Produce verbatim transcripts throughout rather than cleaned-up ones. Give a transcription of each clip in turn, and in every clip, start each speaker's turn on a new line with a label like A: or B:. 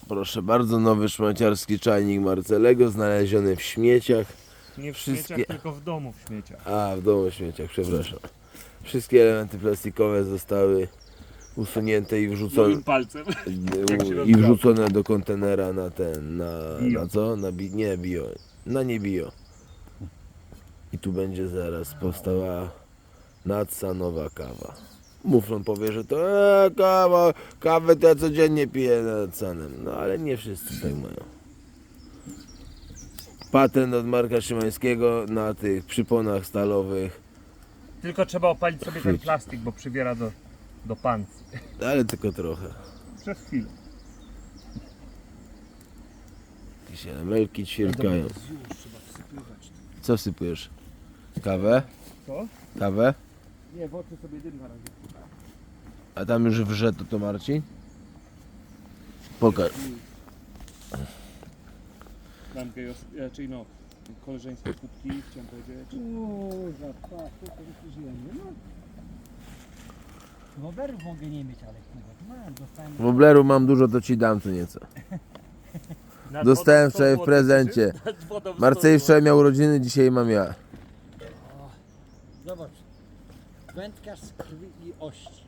A: Proszę bardzo, nowy szmaciarski czajnik Marcelego, znaleziony w śmieciach.
B: Nie w
A: Wszystkie-
B: śmieciach, tylko w domu w śmieciach.
A: A, w domu w śmieciach, przepraszam. Wszystkie elementy plastikowe zostały usunięte i wrzucone,
B: Moim palcem. Jak się
A: i
B: rozgrał.
A: wrzucone do kontenera na ten, na,
B: Bio.
A: na co? Na bi, nie bio, na nie bio. I tu będzie zaraz powstała nadsa nowa kawa. Muflon powie, że to e, kawa, kawę to ja codziennie piję nad sanem. No ale nie wszyscy tak mają. Patent od Marka Szymańskiego na tych przyponach stalowych,
B: Tylko trzeba opalić sobie ten
A: Chwyć.
B: plastik, bo przybiera do, do pancy.
A: ale tylko trochę.
B: Przez chwilę.
A: Jakieś elemelki ćwierkają.
B: Już trzeba wsypywać.
A: Co wsypujesz? Kawę?
B: Co?
A: Kawę?
B: Nie, w oczy sobie dym na razie.
A: A tam już wrze to, to Marcin? Pokaż.
B: Mam gejos, raczej no, koleżeńskie kubki, chciałem powiedzieć.
C: Kurwa, tak, to już żyjemy. No. Rowerów mogę nie mieć, ale chyba mam, dostałem.
A: Wobleru mam dużo, to ci dam tu nieco.
B: Nad
A: Dostałem
B: wodą sto
A: wczoraj w
B: złotych,
A: prezencie.
B: czy? Nad wodą sto
A: Marcej
B: złotych.
A: wczoraj miał urodziny, dzisiaj mam ja.
C: Zobacz. Wędkarz z krwi i ości.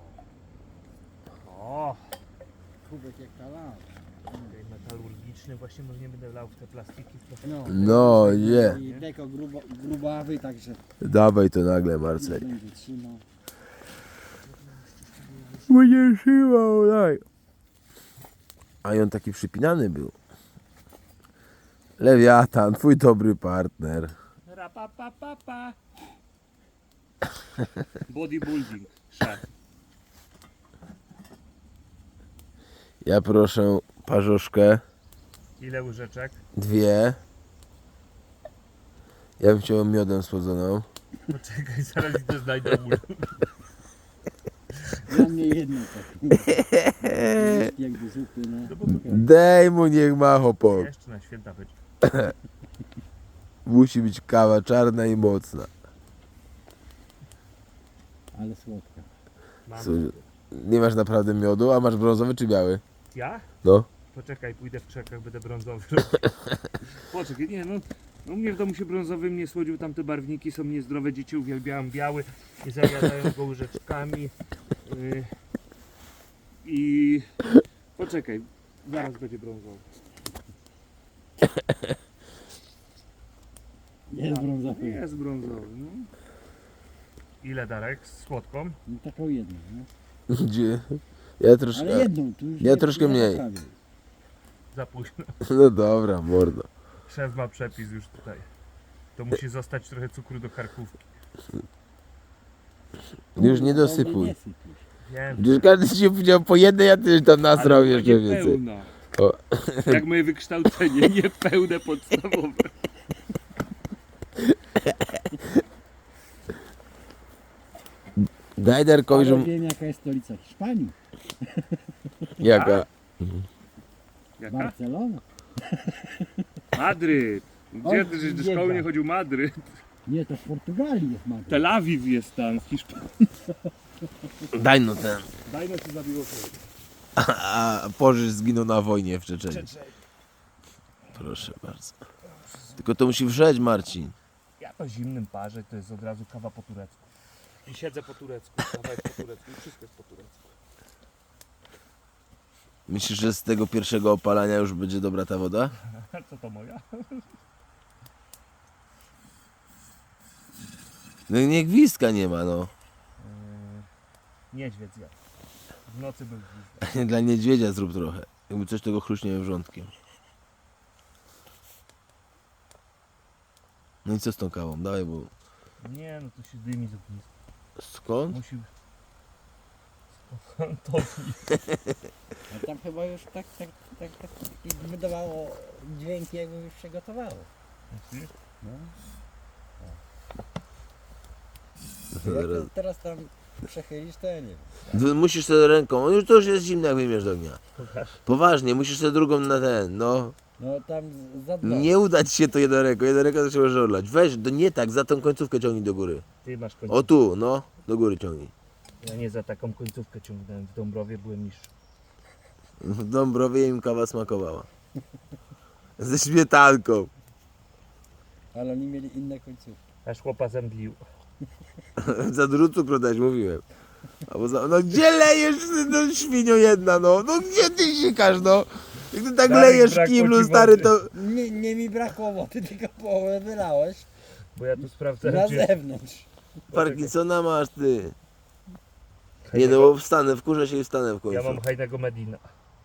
B: O,
C: Kubek jak talał.
B: okej, metalurgiczny, właśnie może nie będę lał w te plastiki. W to...
C: No,
A: No, nie.
C: I deko grubo, grubawy, także
A: Dawaj to nagle, Marcel.
C: będzie trzymał.
A: Będzie trzymał, daj. A i on taki przypinany był. Lewiatan, twój dobry partner.
B: Rapapapapa. Bodybuilding, szef.
A: Ja proszę parzoszkę,
B: Ile łyżeczek?
A: dwie. Ja bym chciał miodem słodzoną.
B: Poczekaj, zaraz idę znajdę ból.
C: Dla mnie jedno tak. Jakby zupy, no.
A: Dej mu, niech ma chłopak.
B: Jeszcze na święta być.
A: Musi być kawa czarna i mocna.
C: Ale słodka.
B: Mam.
A: Słuchaj, nie masz naprawdę miodu, a masz brązowy czy biały?
B: Ja?
A: No.
B: Poczekaj, pójdę w krzakach, będę brązowy. Poczekaj, nie no. No u mnie w domu się brązowym nie słodził, tamte barwniki są niezdrowe, dzieci uwielbiają biały i zajadają go łyżeczkami. Yy, I poczekaj, zaraz będzie brązowy.
C: Jest brązowy.
B: Jest brązowy, no. Ile Darek? Z słodką?
C: No, taką jedną, no.
A: Gdzie? Ja troszkę.
C: Ale jedną, tu już
A: Ja
C: nie-
A: troszkę
C: nie
A: mniej.
C: zostawię.
B: Za późno.
A: No dobra, mordo.
B: Szef ma przepis już tutaj. To musi zostać trochę cukru do karkówki.
A: Już nie
C: Kurwa,
A: dosypuj.
C: nie sypiesz.
B: Wiem.
A: Gdzieś każdy ci powiedział po jednej, ja też tam nasrał
B: Ale
A: jeszcze
B: nie
A: więcej.
B: pełna.
A: O.
B: Jak moje wykształcenie, nie pełne podstawowe.
A: Daj Darkowi,
C: Ale
A: że...
C: wiem jaka jest stolica Hiszpanii.
A: Jaka?
B: Jaka?
C: Barcelona.
B: Madryt. Gdzie
C: O,
B: ty, żeś do
C: biega.
B: szkoły nie chodził? Madryt.
C: Nie, to w Portugalii jest Madryt.
B: Tel Awiw jest tam w Hiszpanii.
A: Daj no ten.
B: Daj no ci zabiło się.
A: A Pożysz zginął na wojnie w Czeczeniu. Proszę bardzo. Tylko to musi wrzeć, Marcin.
B: Ja to zimnym parze, to jest od razu kawa po turecku. I siedzę po turecku, kawa jest po turecku i wszystko jest po turecku.
A: Myślisz, że z tego pierwszego opalania już będzie dobra ta woda?
B: Co to moja?
A: No nie, gwizdka nie ma, no.
B: Yy, niedźwiedź zjadł. W nocy był gwizdek.
A: Dla niedźwiedzia zrób trochę. Jakby coś tego chruśnie wrzątkiem. No i co z tą kawą? Dawaj, bo...
B: Nie, no to się dymi z ogniska.
A: Skąd?
B: Musi... To
C: A tam chyba już tak, tak, tak, tak i wydawało dźwięki jakby już się gotowało. No. Jak to teraz tam przechylisz, to ja nie wiem.
A: Ty musisz sobie ręką, on już to już jest zimny, jak wyjmiesz do ognia. Poważnie, musisz sobie drugą na ten, no.
C: No tam za dno.
A: Nie uda ci się to jedną ręką, jedną ręką to trzeba żorlać. Weź, to nie tak, za tą końcówkę ciągnij do góry.
B: Ty masz końcówkę.
A: O tu, no, do góry ciągnij.
B: Ja nie za taką końcówkę ciągnąłem. W Dąbrowie byłem niższy.
A: W Dąbrowie im kawa smakowała. Ze śmietanką.
C: Ale oni mieli inne końcówki.
B: Aż chłopa zemdlił.
A: Za dużo cukru dać, mówiłem. Albo za... No gdzie lejesz, ty, no świnio jedna, no? No gdzie ty sikasz, no? Jak ty tak
B: Darek,
A: lejesz w
B: brakło
A: kiblu,
B: ci
A: stary,
B: wody.
A: to...
C: Nie, nie mi brakło wody, tylko połowę wylałeś
B: Bo ja tu sprawdzałem,
C: na
B: czy
C: zewnątrz.
A: Parkinsona masz, ty. Nie no, bo wstanę, wkurzę się i wstanę w końcu.
B: ja mam hajnego Medina.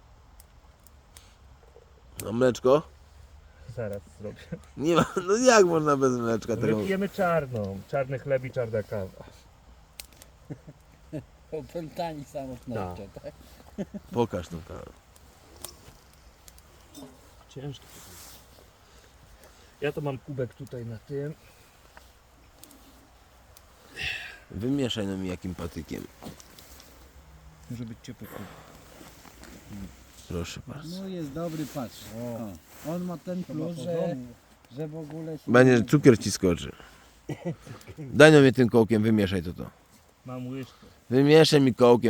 A: A mleczko?
B: Zaraz zrobię.
A: Nie ma, no jak można bez mleczka tego?
B: Wypijemy czarną. Czarny chleb i czarna kawa.
C: Opętani samotnością, tak?
A: Pokaż tą kawę.
B: Ciężko. Ja to mam kubek tutaj na tym.
A: Wymieszaj no mi jakim patykiem.
C: Może być ciepły.
A: Proszę bardzo.
C: No jest dobry, patrz. O. On ma ten plus, że, że w ogóle się...
A: Będzie cukier ci skoczy. Daj no mnie tym kołkiem, wymieszaj to to.
B: Mam łyżkę.
A: Wymieszaj mi kołkiem.